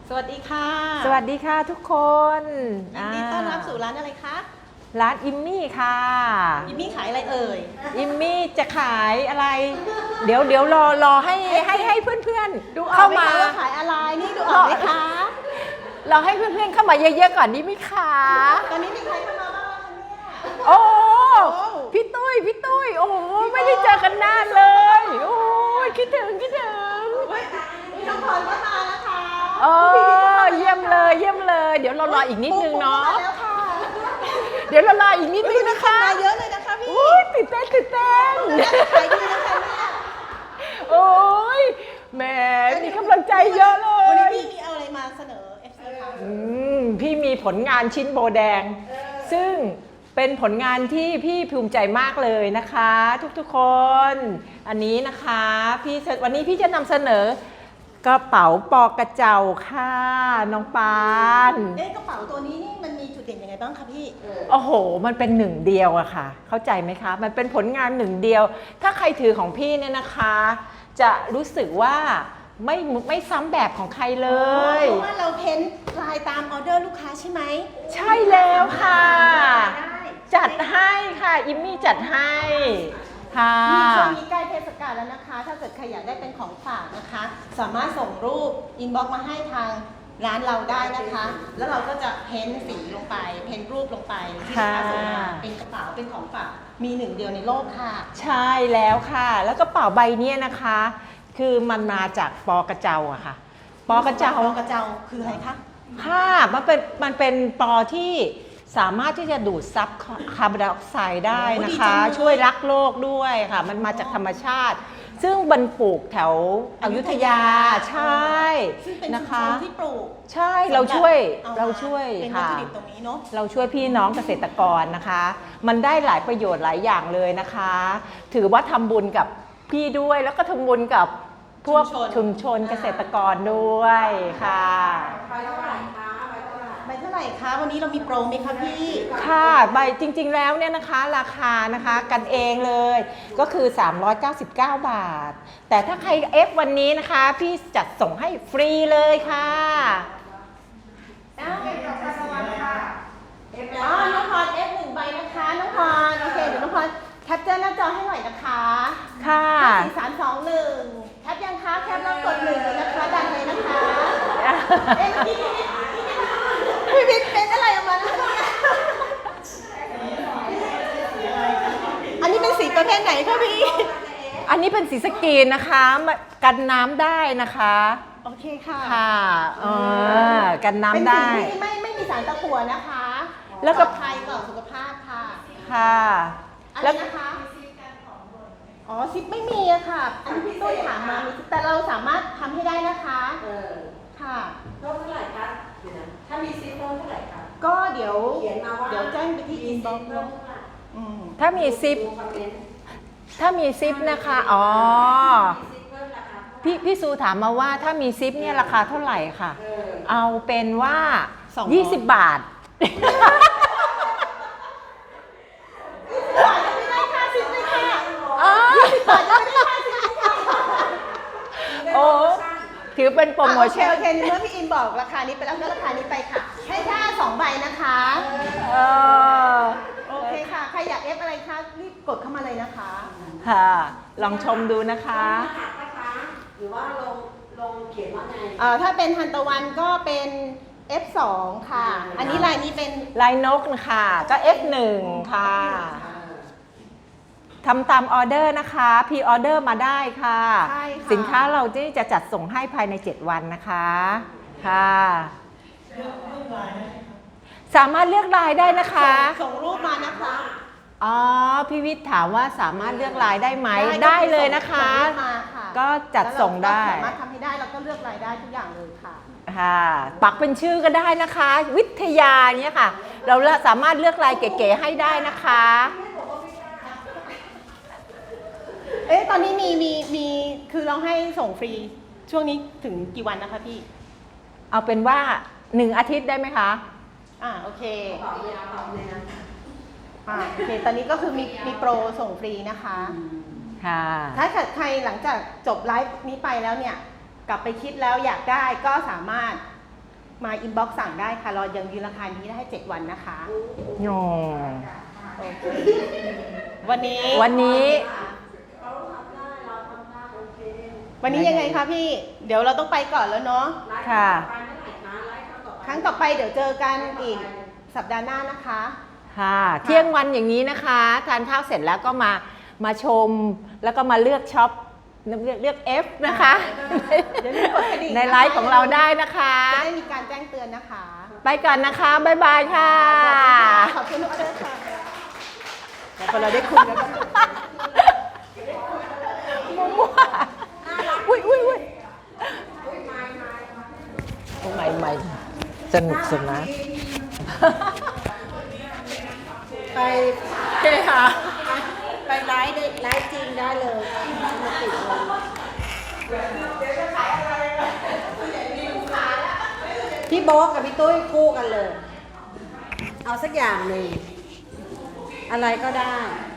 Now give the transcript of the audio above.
สวัสดีค่ะสวัสดีค่ะทุกคนยินดีต้อนรับสู่ร้านอะไรคะร้านอิมมี่ค่ะยิมมี่ขายอะไรเอ่ยอิมมี่จะขายอะไร เดี๋ยวรอให้เพื่อนดูอๆอกเข้าไหมมาคะว่าขายอะไรนี่ดูออกไหมคะรอให้เพื่อนๆเข้ามาเยอะๆก่อนดีไหมคะตอนนี้มีใครเข้ามาบ้างคะเนี่ยโอ้พี่ตุ้ยโอ้ไม่ได้เจอกันนานเลยโอ้ยคิดถึงมีน้องพรก็มานะคะโอ้เยี่ยมเลย เดี๋ยวเรารออีกนิดนึงเนาะมาแล้วค่ะเดี๋ยวเรารออีกนิดนึงนะคะมาเยอะเลยนะคะพี่อุ้ยตื่นเต้นขายดีนะคะเนี่ยโอ้ยแหมมีกำลังใจเยอะเลวันนี้ยพี่มีเอาอะไรมาเสนอ FC คะพี่มีผลงานชิ้นโบแดง ซึ่งเป็นผลงานที่พี่ภูมิใจมากเลยนะคะ ทุกๆคน อันนี้นะคะวันนี้พี่จะนำเสนอกระเป๋าปอกระเจ้าค่ะน้องปานกระเป๋าตัวนี้นี่มันมีจุดเด่นยังไงบ้างคะพี่โอ้โหมันเป็นหนึ่งเดียวอะค่ะเข้าใจไหมคะมันเป็นผลงานหนึ่งเดียว ถ้าใครถือของพี่เนี่ยนะคะ จะรู้สึกว่าไม่ซ้ำแบบของใครเลยเพราะว่าเราเพ้นลายตามออเดอร์ลูกค้าใช่ไหมใช่แล้วค่ะ จัดให้ค่ะอิมมี่จัดให้ค่ะมีช่วงนี้ใกล้เทศกาลแล้วนะคะ ถ้าเกิดใครอยากได้เป็นของฝากนะคะ สามารถส่งรูปอินบ็อกซ์มาให้ทางร้านเราได้นะคะ แล้วเราก็จะเพ้นสีลงไป เพ้นรูปลงไปที่ลูกค้าส่งมาเป็นกระเป๋าเป็นของฝากมีหนึ่งเดียวในโลกค่ะใช่แล้วค่ะ แล้วกระเป๋าใบเนี้ยนะคะ คือมันมาจากปอกระเจ้าอะค่ะปอกระเจ้าปอกระเจ้าคืออะไรคะค่ะมันเป็นปอที่สามารถที่จะดูดซับคาร์บอนไดออกไซด์ได้นะคะ ช่วยรักโลกด้วยค่ะ มันมาจากธรรมชาติ ซึ่งบรรปลูกแถวอยุธยาใช่ซึ่งเป็นนะชุมชคะนที่ปลูกใช่เราช่วยเอามาเราช่วยเป็นวัตค่ะถุดิบตรงนี้เนาะเราช่วยพี่น้องเกษตรกรนะคะ มันได้หลายประโยชน์หลายอย่างเลยนะคะ ถือว่าทำบุญกับพี่ด้วยแล้วก็ทำบุญกับพวกชุมชนเกษตรกรด้วยค่ะใบเท่าไหร่คะวันนี้เรามีโปรไหมคะพี่ค่ะใบจริงๆแล้วเนี่ยนะคะราคานะคะกันเองเลยก็คือ 399 บาท แต่ถ้าใครเอฟวันนี้นะคะ พี่จัดส่งให้ฟรีเลยค่ะน้องพร F1 ใบนะคะ น้องพรโอเคเดี๋ยวน้องพรแคปเจอร์หน้าจอให้หน่อยนะคะค่ะ 4 3 2 1แคปยังคะแคปแล้วกด1เลยนะคะดันเลยนะคะเมื่อกี้พี่วิทย์เป็นอะไรออกมานะคะอันนี้เป็นสีประเภทไหนคะพี่อันนี้เป็นสีสกรีนนะคะกันน้ำได้นะคะโอเคค่ะค่ะกันน้ำเป็นได้สีที่ไม่มีสารตะกั่วนะคะแล้วก็ปลอดภัยต่อสุขภาพค่ะค่ะอะไรนะคะอ๋อซิปไม่มีอะค่ะ อันนี้พี่ตุ้ยถามมามีซิปแต่เราสามารถทำให้ได้นะคะค่ะเท่าไหร่คะเดี๋ยวนะถ้ามีซิปเท่าไหร่คะก็เดี๋ยวเขียนมาว่าเดี๋ยวแจ้งไปที่อินบ็อกซ์เท่าไหร่ถ้ามีซิปดูคอมเมนต์ถ้ามีซิปนะคะอ๋อมีซิปเพิ่มราคาพี่ซูถามมาว่าถ้ามีซิปเนี่ยราคาเท่าไหร่ค่ะ เอาเป็นว่า 200 20 บาทไม่ได้ค่าซิปเลยค่ะอ๋อบาทยังไม่ได้ค่าซิปเลยค่ะโอ้ถือเป็นโปรโมชั่นโอเคเมื่อพี่อินบอกราคานี้ไปแล้วก็ราคานี้ไปค่ะ ให้แค่2 ใบนะคะเออโอเคค่ะ ใครอยากเอฟอะไรคะรีบกดเข้ามาเลยนะคะค่ะ ลองชมดูนะคะรหัสนะคะหรือว่าลงเขียนว่าไงถ้าเป็นทันตะวันก็เป็น F2 ค่ะ อันนี้ลายนี้เป็นลายนกนะคะก็ F1 ค่ะทำตามออเดอร์นะคะพรีออเดอร์มาได้ค่ะใช่ค่ะสินค้าเราที่จะจัดส่งให้ภายใน 7 วันนะคะค่ะสามารถเลือกลายได้นะคะส่งรูปมานะคะอ๋อพี่วิทย์ถามว่าสามารถเลือกลายได้ไหมได้เลยนะคะส่งรูปมาค่ะก็จัดส่งได้แล้วเราก็สามารถทำให้ได้แล้วก็เลือกรายได้ทุกอย่างเลยค่ะค่ะปักเป็นชื่อก็ได้นะคะ วิทยาเนี่ยค่ะ เราสามารถเลือกลายเก๋ๆให้ได้นะคะตอนนี้มีคือเราให้ส่งฟรีช่วงนี้ถึงกี่วันนะคะพี่เอาเป็นว่า1 อาทิตย์ได้ไหมคะโอเคตอบเลยนะตอบเลยนะโอเค ตอนนี้ก็คือมีโปรส่งฟรีนะคะค่ะถ้าเกิดใครหลังจากจบไลฟ์นี้ไปแล้วเนี่ย กลับไปคิดแล้วอยากได้ก็สามารถมาอินบ็อกซ์สั่งได้ค่ะเรายังยืนราคานี้ได้ให้7 วันนะคะโอ้โอเควันนี้วันนี้เขาทำได้เราทำได้โอเควันนี้ยังไงคะพี่ เดี๋ยวเราต้องไปก่อนแล้วเนาะค่ะไลฟ์ต่อไปเมื่อไหร่คะไลฟ์ครั้งต่อไปครั้งต่อไปเดี๋ยวเจอกันอีกสัปดาห์หน้านะคะค่ะเที่ยงวันอย่างนี้นะคะทานข้าวเสร็จแล้วก็มาชมแล้วก็มาเลือกช็อปเลือก F นะคะอย่าลืมกดกระดิ่งในไลฟ์ของเราได้นะคะจะได้มีการแจ้งเตือนนะคะไปก่อนนะคะ บ๊ายบายค่ะขอบคุณทุกท่านค่ะเดี๋ยวพอเราได้คุยแล้วก็มั่วๆอุ้ยโอ้ไม่สนุกสนานไปโอเคค่ะไปไลฟ์ได้ไลฟ์จริงได้เลยมาติดเลยพี่โบ๊ทกับพี่ตุ้ยคู่กันเลย เอาสักอย่างหนึ่งอะไรก็ได้